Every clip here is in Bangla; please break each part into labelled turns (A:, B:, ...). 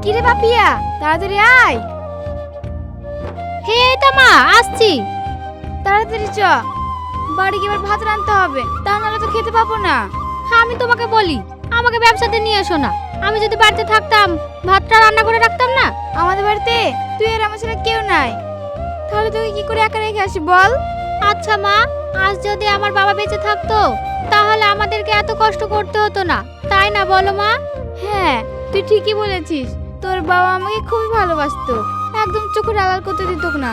A: কিরে পাপিয়া, তাড়াতাড়ি আয়।
B: হে এই তো মা, আসছি।
A: তাড়াতাড়ি চ, বাড়ি গিয়ে এবার ভাত রাঁধতে হবে, তা নাহলে তো খেতে পাবো না।
B: আমি তোমাকে বলি, আমাকে ব্যবসাতে নিয়ে এসো না। আমি যদি বাড়িতে থাকতাম, ভাতটা রান্না করে রাখতাম না।
A: আমাদের বাড়িতে তুই আর আমার ছাড়া কেউ নাই, তাহলে তোকে কি করে একা রেখে আসি বল?
B: আচ্ছা মা, আজ যদি আমার বাবা বেঁচে থাকতো তাহলে আমাদেরকে এত কষ্ট করতে হতো না, তাই না বলো মা?
A: হ্যাঁ, তুই ঠিকই বলেছিস। তোর বাবা আমাকে খুবই ভালোবাসতো, একদম চোখের আড়াল করতে দিত না।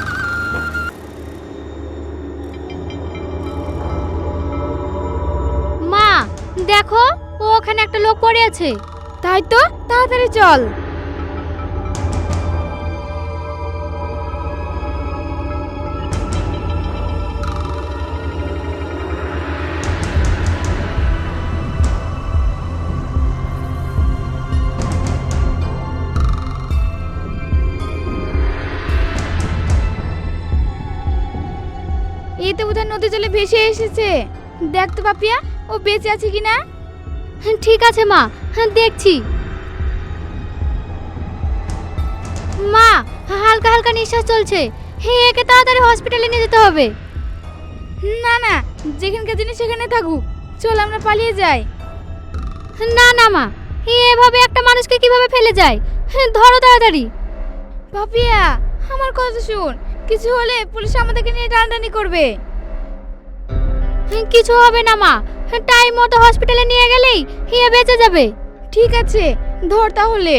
B: মা দেখো, ও ওখানে একটা লোক পড়ে আছে।
A: তাই তো, তাড়াতাড়ি চল। এই তো বোধহয় নদী জলে ভেসে এসেছে। দেখ তো পাপিয়া, ও বেঁচে আছে কিনা।
B: ঠিক আছে মা, দেখছি। মা, হালকা হালকা নিঃশ্বাস চলছে। হে, একে তাড়াতাড়ি হসপিটালে নিয়ে যেতে হবে।
A: না না, যেখানকার জিনিস সেখানে থাকুক, চল আমরা পালিয়ে যাই।
B: না না মা, এভাবে একটা মানুষকে কিভাবে ফেলে যায়? ধরো তাড়াতাড়ি।
A: পাপিয়া, আমার কথা শোন, কিছু হলে পুলিশ আমাদেরকে নিয়ে টানাটানি করবে।
B: কিছু হবে না মা, টাইম মতো হসপিটালে নিয়ে গেলেই হিয়া বেঁচে যাবে।
A: ঠিক আছে, ধর তাহলে।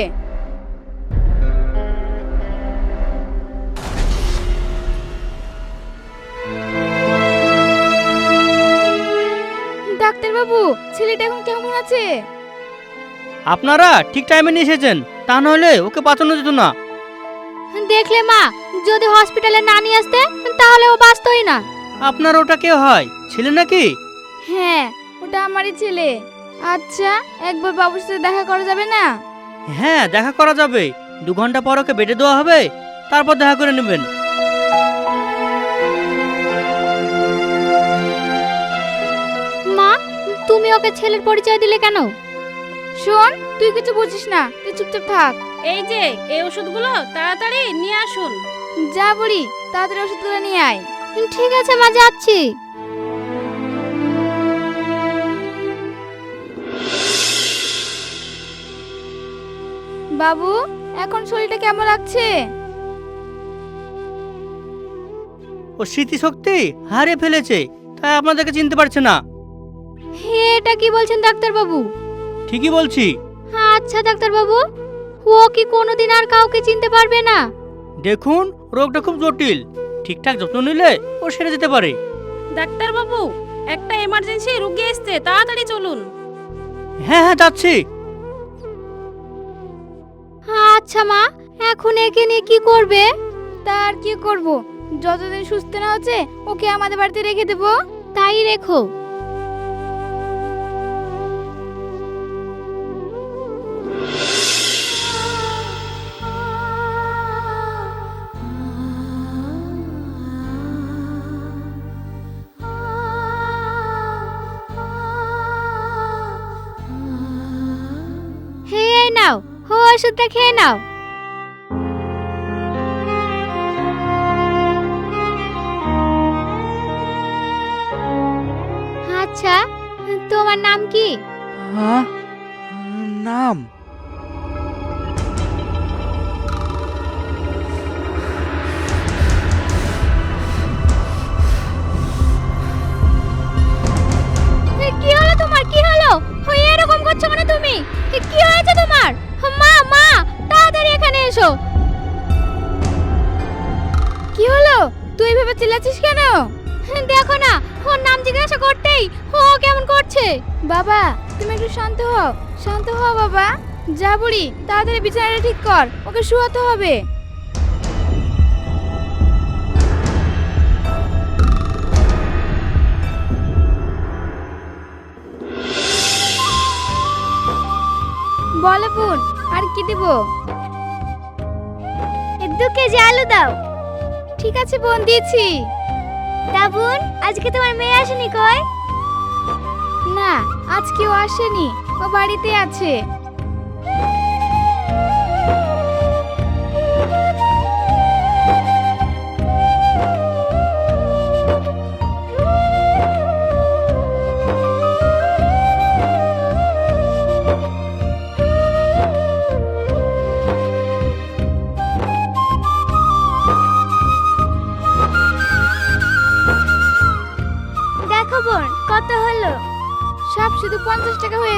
A: ডাক্তার বাবু, ছেলেটা এখন কেমন আছে?
C: আপনারা ঠিক টাইমে নিয়ে এসেছেন, তা নাহলে ওকে বাঁচানো যেত না।
B: দেখলে মা, যদি হসপিটালে না নিয়ে আসতে তাহলে ও বাঁচতই না।
C: আপনার ওটা কে হয়, ছেলে নাকি?
A: হ্যাঁ, ওটা আমারই ছেলে। আচ্ছা, একবার বাবুর সাথে দেখা করা যাবে না?
C: হ্যাঁ, দেখা করা যাবে। 2 ঘন্টা পর ওকে বেডে দেওয়া হবে, তারপর দেখা করে নেবেন।
B: মা, তুমি ওকে ছেলের পরিচয় দিলে কেন?
A: শোন, তুই কিছু বুঝিস না, তুই চুপচাপ থাক।
D: এই যে এই ওষুধগুলো তাড়াতাড়ি নিয়ে আসুন।
A: যা বুড়ি, তাড়াতাড়ি ওষুধগুলো নিয়ে আয়।
B: ঠিক আছে মা, যাচ্ছি।
A: বাবু, এখন শরীরটা কেমন লাগছে?
C: ও স্মৃতিশক্তি হারিয়ে ফেলেছে, তাই আপনাদেরকে চিনতে পারছে না।
B: এটা কি বলছেন ডাক্তার বাবু?
C: ঠিকই বলছি।
B: আচ্ছা ডাক্তার বাবু, ও কি কোনোদিন আর কাউকে চিনতে পারবে না?
C: দেখুন, রোগটা খুব জটিল, ঠিকঠাক যত্ন নিলে ও সেরে যেতে পারে।
D: ডাক্তার বাবু, একটা এমার্জেন্সি রোগী এসেছে, তাড়াতাড়ি চলুন।
C: হ্যাঁ হ্যাঁ, যাচ্ছি।
B: আচ্ছা মা, এখন একে নিয়ে কি করবে?
A: তার কি করব, যতদিন সুস্থ না হচ্ছে ওকে আমাদের বাড়িতে রেখে দেবো।
B: তাই রেখো। হে, এই নাও, ওষুধটা খেয়ে নাও। আচ্ছা, তোমার নাম কি?
E: হ্যাঁ, নাম?
B: কি হলো তোমার, কি হলো? এরকম করছো কেন তুমি? কি হয়েছে তোমার? মা মা, তাড়াতাড়ি এখানে এসো।
A: কি হলো, তুই এভাবে চিল্লাচ্ছিস কেন?
B: দেখো না, ওর নাম জিজ্ঞাসা করতেই ও কেমন করছে।
A: বাবা, তুমি একটু শান্ত হও, শান্ত হও বাবা। যা বুড়ি, তাড়াতাড়ি বিছানাটা ঠিক কর, ওকে শুয়াতে হবে। বলো বোন, আর কি দিব?
B: 2 কেজি আলু দাও।
A: ঠিক আছে বোন, দিয়েছি।
B: তা বোন, আজকে তোমার মেয়ে আসেনি কই?
A: না, আজকে ও আসেনি, ও বাড়িতে আছে।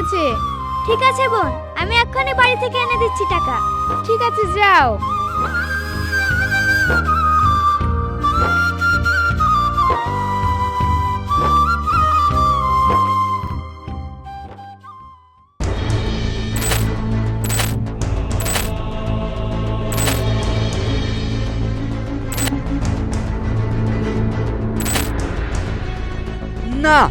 A: গেছে।
B: ঠিক আছে বোন, আমি এক্ষুনি বাড়ি থেকে এনে দিচ্ছি টাকা।
A: ঠিক আছে, যাও।
E: না,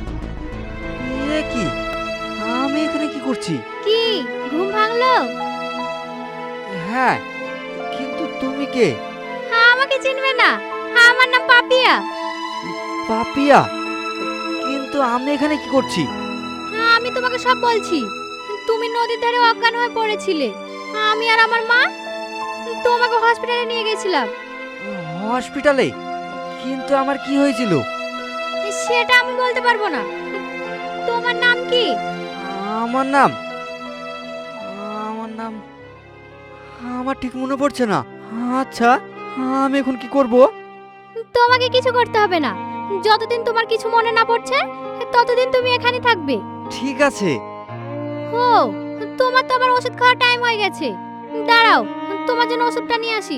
E: এ কি? আমি এখানে কি করছি?
B: কি ঘুম ভাঙলো?
E: হ্যাঁ, কিন্তু তুমি কে?
B: হ্যাঁ, আমাকে চিনবে না? হ্যাঁ, আমার নাম পাপিয়া।
E: পাপিয়া? কিন্তু আমি এখানে কি করছি?
B: হ্যাঁ, আমি তোমাকে সব বলছি। তুমি নদীর ধারে অজ্ঞান হয়ে পড়েছিলে। আমি আর আমার মা তোমাকে হসপিটালে নিয়ে গেছিলাম।
E: হসপিটালে? কিন্তু আমার কি হয়েছিল?
B: সেটা আমি বলতে পারবো না। তোমার নাম কি?
E: আমার নাম আমার নাম আমার ঠিক মনে পড়ছে না। আচ্ছা, আমি এখন কি করব?
B: তোমাকে কিছু করতে হবে না। যতদিন তোমার কিছু মনে না পড়ছে ততদিন তুমি এখানে থাকবে।
E: ঠিক আছে।
B: ও, তোমার তো আবার ওষুধ খাওয়ার টাইম হয়ে গেছে। দাঁড়াও, তোমার জন্য ওষুধটা নিয়ে আসি।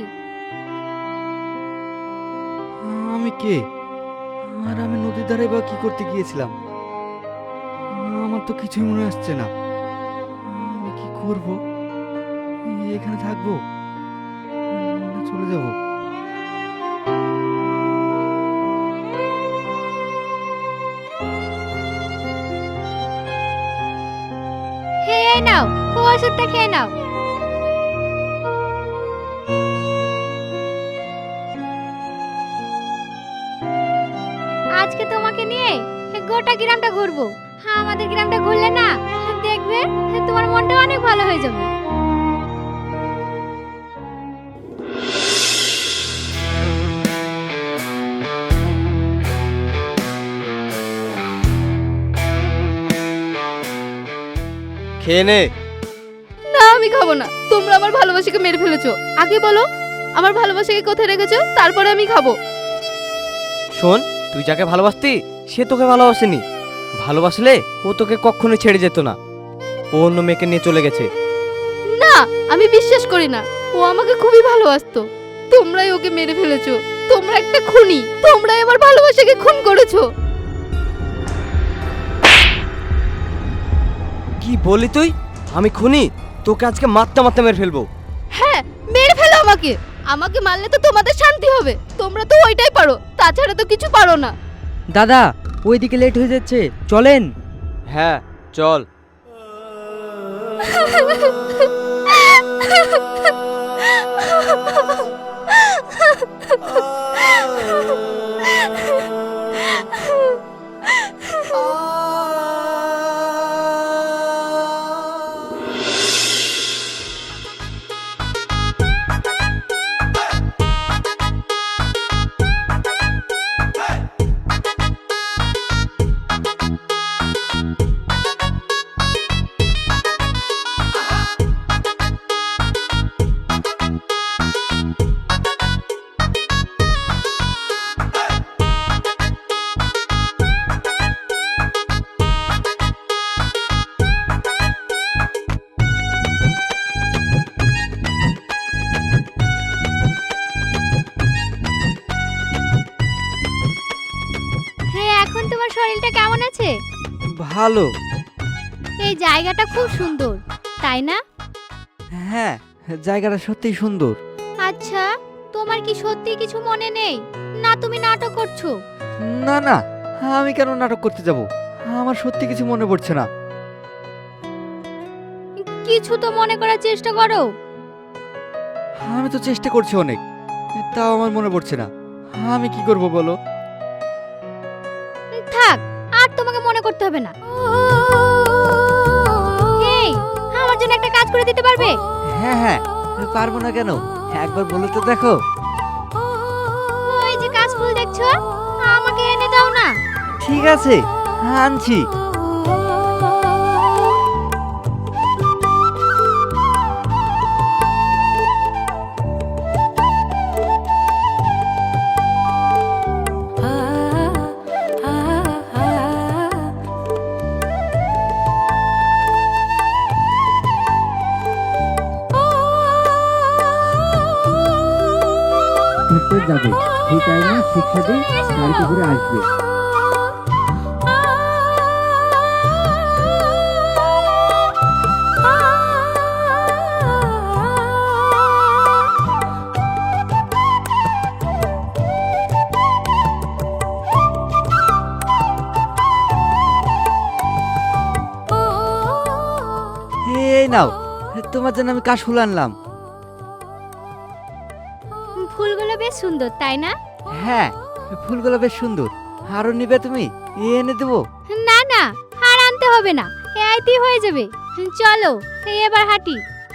E: আমি কে? আর আমি নদীর ধারে বা কি করতে গিয়েছিলাম? আমার তো কিছুই মনে আসছে না। আমি কি করব? এখানে থাকবো না চলে যাব?
B: হে, এই নাও, ওষুধটা খেয়ে নাও। আজকে তোমাকে নিয়ে গোটা গ্রামটা ঘুরবো। হ্যাঁ, আমাদের গ্রামটা ঘুরলে না দেখবে তোমার মনটা অনেক ভালো হয়ে যাবে।
F: খেয়ে নে।
A: না, আমি খাবো না। তোমরা আমার ভালোবাসাকে মেরে ফেলেছো। আগে বলো, আমার ভালোবাসাকে কোথায় রেখেছো, তারপরে আমি খাবো।
F: শোন, তুই যাকে ভালোবাসতি সে তোকে ভালোবাসেনি। ভালোবাসলে ও তোকে কখনো ছেড়ে যেত না। ও অন্য মেয়েকে নিয়ে চলে গেছে।
A: না, আমি বিশ্বাস করি না। ও আমাকে খুবই ভালোবাসতো। তোমরাই ওকে মেরে ফেলেছো। তোমরা একটা খুনি। তোমরাই আমার ভালোবাসাকে খুন করেছো।
F: কি বলি তুই? আমি খুনি? তোকে আজকে মারতে মারতে মেরে ফেলবো।
A: হ্যাঁ, মেরে ফেলো আমাকে। আমাকে মারলে তো তোমাদের শান্তি হবে। তোমরা তো ওইটাই পারো, তাছাড়া তো কিছু পারো না।
C: দাদা, ওইদিকে লেট হয়ে যাচ্ছে, চলেন।
F: হ্যাঁ, চল।
B: হ্যাঁ, এখন তোমার শরীরটা কেমন আছে?
E: ভালো।
B: এই জায়গাটা খুব সুন্দর, তাই না?
E: হ্যাঁ, জায়গাটা সত্যিই সুন্দর।
B: আচ্ছা, তোমার কি সত্যি কিছু মনে নেই, না তুমি নাটক করছো?
E: না না, আমি কেন নাটক করতে যাব? আমার সত্যি কিছু মনে পড়ছে না।
B: কিছু তো মনে করার চেষ্টা করো।
E: আমি তো চেষ্টা করছি অনেক, তাও আমার মনে পড়ছে না। আমি কি করব বলো?
B: থাক, আর তোমাকে মনে করতে হবে না। এই, আমার জন্য একটা কাজ করে দিতে পারবে?
E: হ্যাঁ হ্যাঁ, পারবো না কেন? একবার বলে তো দেখো।
B: ওই যে কাশফুল দেখছো, আমাকে এনে দাও না।
E: ঠিক আছে, আনছি। করে যাবে, সেই টাইমে শিক্ষা দিয়ে গাড়িতে করে আসবে। এই নাও, তোমার জন্য আমি কাশফুল আনলাম।
B: ফুলগুলো বেশ সুন্দর তাই না?
E: হ্যাঁ, ফুলগুলো বেশ সুন্দর। আরো নিবে তুমি? এনে দেবো।
B: না না, আর আনতে হবে না, এইতেই হয়ে যাবে। চলো এবার হাঁটি।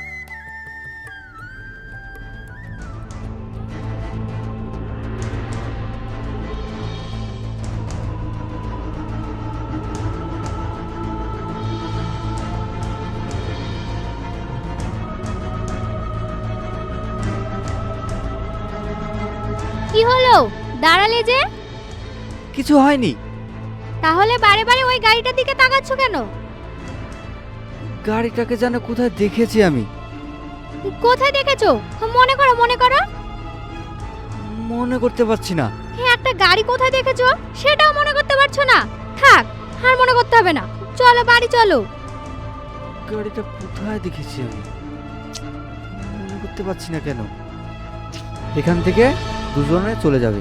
B: কি হলো, দাঁড়ালে যে?
E: কিছু হয়নি।
B: তাহলে বারে বারে ওই গাড়িটার দিকে তাকাচ্ছ কেন?
E: গাড়িটাকে যেন কোথায় দেখেছি আমি।
B: কোথায় দেখেছো? মনে করো মনে করো।
E: মনে করতে পারছি না।
B: একটা গাড়ি কোথায় দেখেছো সেটাও মনে করতে পারছো না? থাক, আর মনে করতে হবে না, চলো বাড়ি চলো।
E: গাড়িটা কোথায় দেখেছি আমি, মনে করতে পারছি না কেন। এখান থেকে দুজনে চলে যাবে।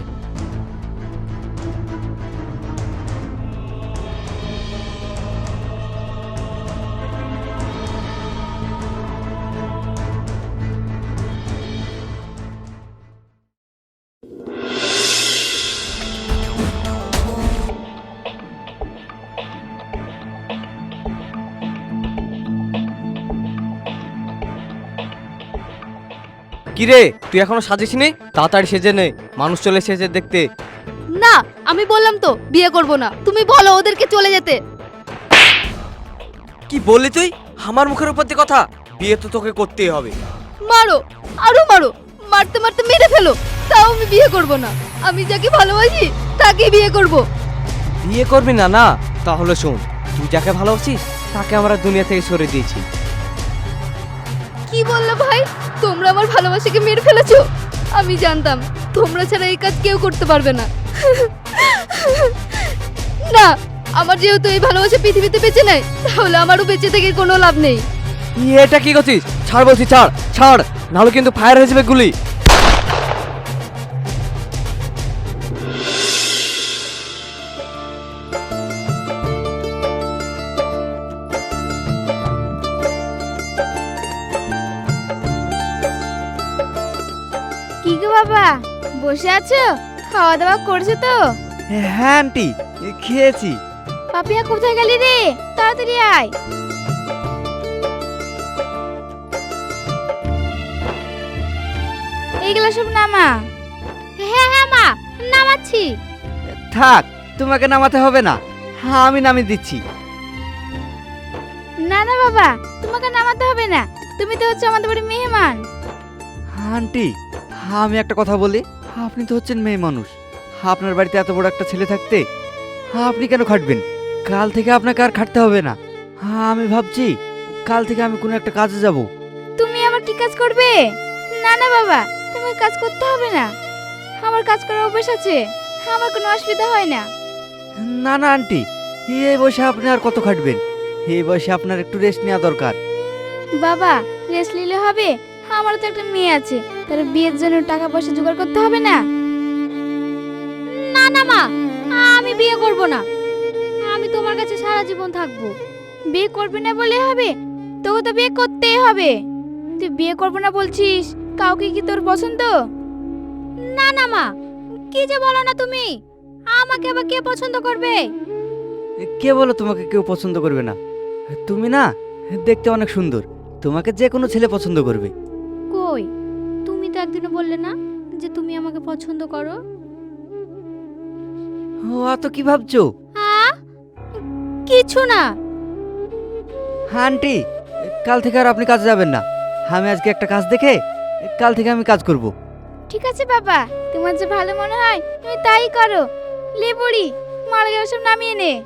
F: কিরে, তুই এখনো সাজিসনি? তাড়াতাড়ি সেজে নে, মানুষ চলে এসেছে দেখতে।
A: না, আমি বললাম তো বিয়ে করব না। তুমি বলো ওদেরকে চলে যেতে।
F: কি বললি তুই? আমার মুখের উপর দিয়ে কথা? বিয়ে তো তোকে করতেই হবে।
A: মারো, আরো মারো, মারতে মারতে মেরে ফেলো, তাও আমি বিয়ে করব না। আমি যাকে ভালোবাসি তাকে বিয়ে করব।
F: বিয়ে করবি না? না তাহলে শোন, তুই যাকে ভালোবাসিস তাকে আমরা দুনিয়া থেকে সরিয়ে দিয়েছি।
A: কি বললে ভাই? তোমরা আমার ভালোবাসাকে মেরে ফেলেছো? আমি জানতাম তোমরা ছাড়া এই কাজ কেউ করতে পারবে না। না, আমার যেহেতু এই ভালোবাসা পৃথিবীতে বেঁচে নেই, তাহলে আমারও বেঁচে থেকে কোনো লাভ নেই।
F: এটা কি করছিস? ছাড় বলছি, ছাড় ছাড়, নাহলে কিন্তু ফায়ার হয়ে যাবে গুলি।
B: কি গো বাবা, বসে আছো? খাওয়া দাওয়া করছো তো?
E: হ্যাঁ আন্টি, খেয়েছি।
B: পাপিয়া কোথায় গেলি রে? তাড়াতাড়ি আয়। এইগুলো সব নামা। হ্যাঁ হ্যাঁ মা, নামাচ্ছি।
E: থাক, তোমাকে নামাতে হবে না, হ্যাঁ আমি নামিয়ে দিচ্ছি।
B: না না বাবা, তোমাকে নামাতে হবে না, তুমি তো হচ্ছে আমাদের বাড়ির মেহমান।
E: আন্টি, আমি একটা কথা বলি। আপনি তো হচ্ছেন মেয়ে মানুষ, আপনার বাড়িতে এত বড় একটা ছেলে থাকতে আপনি কেন খাটবেন? কাল থেকে আপনাকে আর খাটতে হবে না। আমি ভাবছি কাল থেকে আমি কোনো একটা কাজে যাব।
B: তুমি আবার কি কাজ করবে? না না বাবা, তুমি কাজ করতে হবে না, আমার কাজ করার অভ্যাস আছে, আমার কোনো অসুবিধা হয় না।
E: না না আন্টি, এই বয়সে আপনি আর কত খাটবেন? এই বয়সে আপনার একটু রেস্ট নেওয়া দরকার।
B: বাবা, রেস্ট নিলে হবে? আমারও তো একটা মেয়ে আছে, তার বিয়ের জন্য টাকা পয়সা জোগাড় করতে হবে না? না না মা, আমি বিয়ে করব না, আমি তোমার কাছে সারা জীবন থাকবো। বিয়ে করবে না বলে হবে? তোকে তো বিয়ে করতেই হবে। তুই বিয়ে করবো না বলছিস, কাউকে কি তোর পছন্দ? না না মা, কি যে বলো না তুমি, আমাকে আবার কে পছন্দ করবে?
E: কে বলো তোমাকে কেউ পছন্দ করবে না? তুমি না দেখতে অনেক সুন্দর, তোমাকে যে কোনো ছেলে পছন্দ করবে।
B: কই, তুমি তো একদিনও বললে না যে তুমি আমাকে পছন্দ করো।
E: ও অত কি ভাবছো?
B: কিছু না।
E: আন্টি, কাল থেকে আর আপনি কাজে যাবেন না। আমি আজকে একটা কাজ দেখে কাল থেকে আমি কাজ করব।
B: ঠিক আছে বাবা, তোমার যে ভালো মনে হয় তুমি তাই করো। লে বুড়ি, মারা গেলে সব নামিয়ে নে।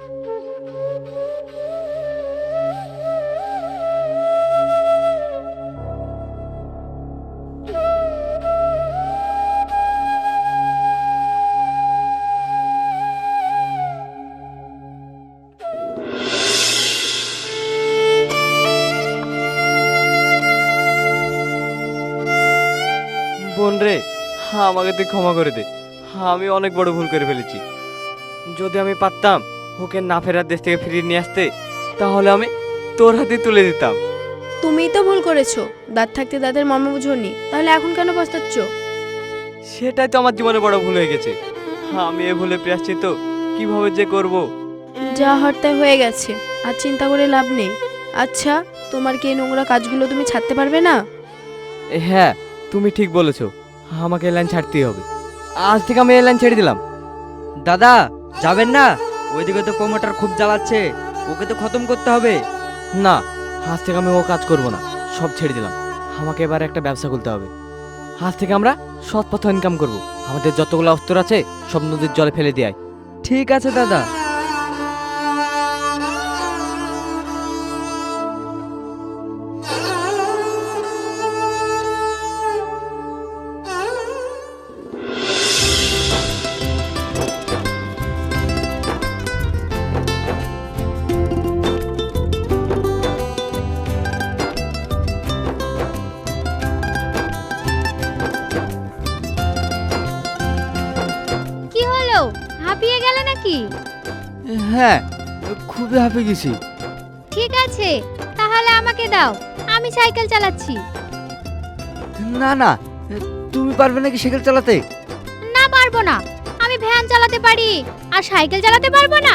F: বোন রে, আমাকে তুই ক্ষমা করে দে। আমি অনেক বড় ভুল করে ফেলেছি। যদি আমি পারতাম ওকে না ফেরার দেশ থেকে ফিরিয়ে নিয়ে আসতে, তাহলে আমি তোর হাতে তুলে দিতাম।
G: তুমিই তো ভুল করেছো, দাঁত থাকতে দাঁতের মর্ম বুঝোনি, তাহলে এখন কেন পস্তাচ্ছ?
F: সেটাই তো আমার জীবনে বড় ভুল হয়ে গেছে। আমি এ ভুলে প্রায়শ্চিত্ত কিভাবে যে করব।
G: যা হওয়ার তাই হয়ে গেছে, আর চিন্তা করে লাভ নেই। আচ্ছা, তোমার কি এই নোংরা কাজগুলো তুমি ছাড়তে পারবে না?
F: হ্যাঁ, তুমি ঠিক বলেছো, আমাকে এই লাইন ছাড়তেই হবে। আজ থেকে আমি এই লাইন ছেড়ে দিলাম।
E: দাদা যাবেন না? ওইদিকে তো প্রমোটার খুব জ্বালাচ্ছে, ওকে তো খতম করতে হবে।
F: না, আজ থেকে আমি ও কাজ করব না, সব ছেড়ে দিলাম। আমাকে এবার একটা ব্যবসা খুলতে হবে। আজ থেকে আমরা সৎ পথে ইনকাম করব। আমাদের যতগুলো অস্ত্র আছে সব নদীর জলে ফেলে দিয়ে আয়।
E: ঠিক আছে দাদা।
B: কি হলো, হাঁপিয়ে গেলে নাকি?
E: হ্যাঁ, খুবই হাঁপিয়ে গেছি।
B: ঠিক আছে, তাহলে আমাকে দাও, আমি সাইকেল চালাচ্ছি।
E: না না, তুমি পারবে নাকি সাইকেল চালাতে?
B: না, পারবো না। আমি ভ্যান চালাতে পারি, আর সাইকেল চালাতে পারবো না।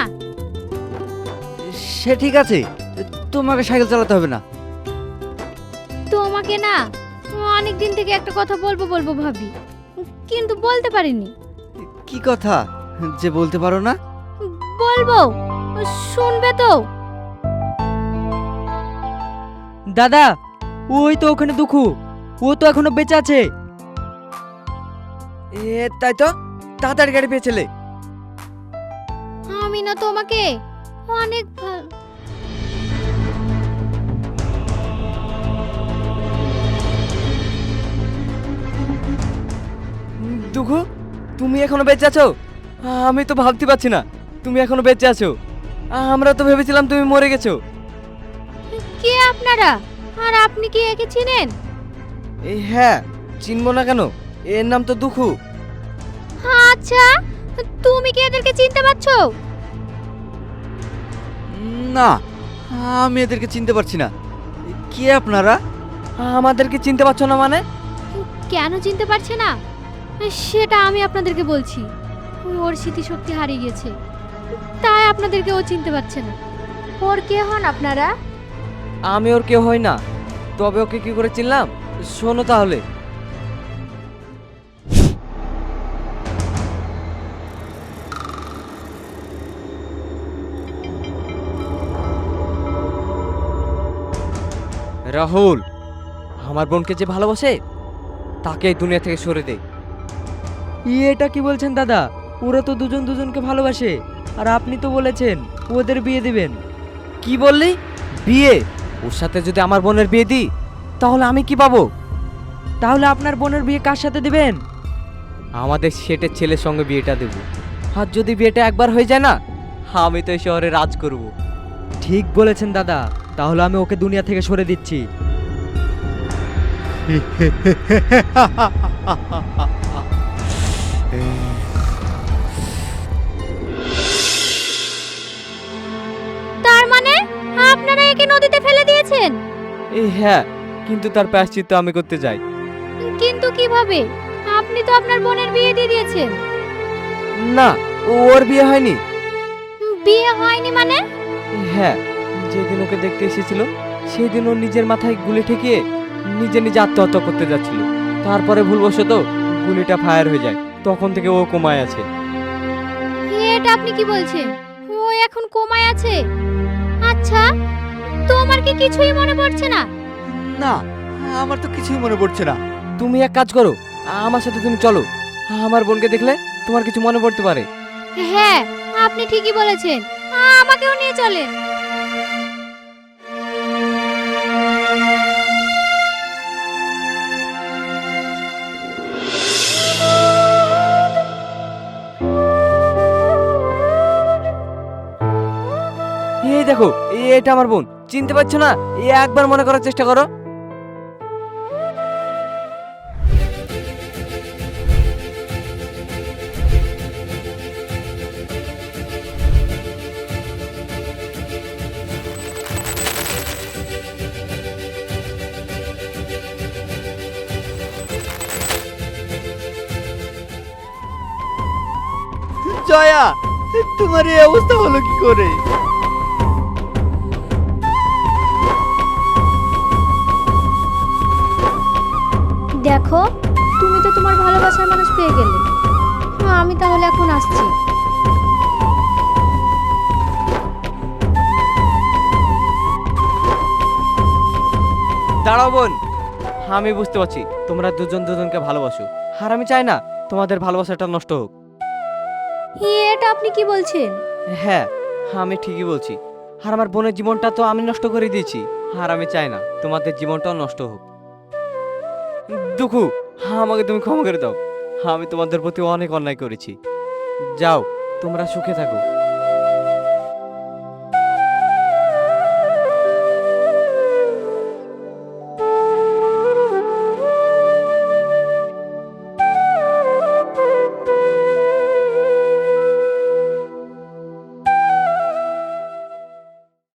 E: সে ঠিক আছে, তোমাকে সাইকেল চালাতে হবে না।
B: তোমাকে না অনেক দিন থেকে একটা কথা বলবো বলবো ভাবি, কিন্তু বলতে পারিনি।
E: কি কথা যে বলতে পারো না?
B: বলবো, শুনবে তো?
E: দাদা, ওই তো ওখানে দুঃখু, ও তো এখনো বেঁচে আছে। তাই তো, তাড়াতাড়ি গাড়ি পেয়েছিলে।
B: আমি না তোমাকে অনেক
F: দুঃখু, তুমি এখনো বেঁচে আছো? আমি তো ভাবতে পারছি না তুমি এখনো বেঁচে আছো। আমরা তো ভেবেছিলাম তুমি মরে গেছো।
B: কে আপনারা, আর আপনি কি একে চিনেন?
F: হ্যাঁ, চিনবো না কেন, এর নাম তো দুঃখু।
B: আচ্ছা, তুমি কি এদেরকে চিনতে পারছো?
E: না, আমি এদেরকে চিনতে পারছি না। কে আপনারা?
F: আমাদেরকে চিনতে পারছো না মানে?
B: কেন চিনতে পারছে না সেটা আমি আপনাদেরকে বলছি। ওর স্মৃতিশক্তি হারিয়ে গেছে, তাই আপনাদেরকে ও চিনতে পারছে না। ওর কে হন আপনারা?
F: আমি ওর কেউ হই না, তবে ওকে কি করে চিনলাম শোনো তাহলে। রাহুল আমার বোনকে যে ভালোবাসে তাকে এই দুনিয়া থেকে সরে দে।
E: এটা কি বলছেন দাদা? ওরা তো দুজন দুজনকে ভালোবাসে, আর আপনি তো বলেছেন ওদের বিয়ে দিবেন।
F: কি বললি? বিয়ে? ওর সাথে যদি আমার বোনের বিয়ে দিই তাহলে আমি কি পাবো?
E: তাহলে আপনার বোনের বিয়ে কার সাথে দিবেন?
F: আমাদের সেটের ছেলের সঙ্গে বিয়েটা দেব। আর যদি বিয়েটা একবার হয়ে যায় না, আমি তো এই শহরে রাজ করব।
E: ঠিক বলেছেন দাদা, তাহলে আমি ওকে দুনিয়া থেকে সরে দিচ্ছি।
B: তার মানে আপনারা একে নদীতে ফেলে দিয়েছেন?
F: এই হ্যাঁ, কিন্তু তার প্রায়শ্চিত্ত আমি করতে চাই।
B: কিন্তু কিভাবে? আপনি তো আপনার বোনের বিয়ে দিয়ে দিয়েছেন।
F: না, ওর বিয়ে হয়নি।
B: বিয়ে হয়নি মানে?
F: হ্যাঁ, যেদিন ওকে দেখতে এসেছিল সেদিন ও নিজের মাথায় গুলি ঠেকিয়ে নিজে নিজে আত্মহত্যা করতে যাচ্ছিল। তারপরে ভুলবশত গুলিটা ফায়ার হয়ে যায়, তখন থেকে ও কোমায় আছে।
B: এটা আপনি কি বলছেন? ও এখন কোমায় আছে? আচ্ছা, তোমার কি কিছুই মনে পড়ছে না?
E: না, আমার তো কিছুই মনে পড়ছে না।
F: তুমি এক কাজ করো, আমার সাথে তুমি চলো। আমার বোনকে দেখলে তোমার কিছু মনে পড়তে পারে।
B: হ্যাঁ, আপনি ঠিকই বলেছেন, আমাকেও নিয়ে চলেন।
F: এই দেখো, এটা আমার বোন, চিনতে পারছো না? একবার মনে করার চেষ্টা করো।
E: জয়া, তোমার এই অবস্থা হলো কি করে?
B: দেখো, তুমি তো তোমার ভালোবাসার মানুষ পেয়ে গেলে। আমি তাহলে এখন আসছি।
F: দাঁড়াও বোন, আমি বুঝতে পারছি তোমরা দুজন দুজনকে ভালোবাসো, আর আমি চাই না তোমাদের ভালোবাসাটা নষ্ট হোক।
B: এটা আপনি কি বলছেন?
F: হ্যাঁ, আমি ঠিকই বলছি। আর আমার বোনের জীবনটা তো আমি নষ্ট করে দিয়েছি, আর আমি চাই না তোমাদের জীবনটাও নষ্ট হোক। দুঃখু, আমাকে তুমি ক্ষমা করে দাও, আমি তোমাদের প্রতি অনেক অন্যায় করেছি। যাও, তোমরা সুখে থাকো।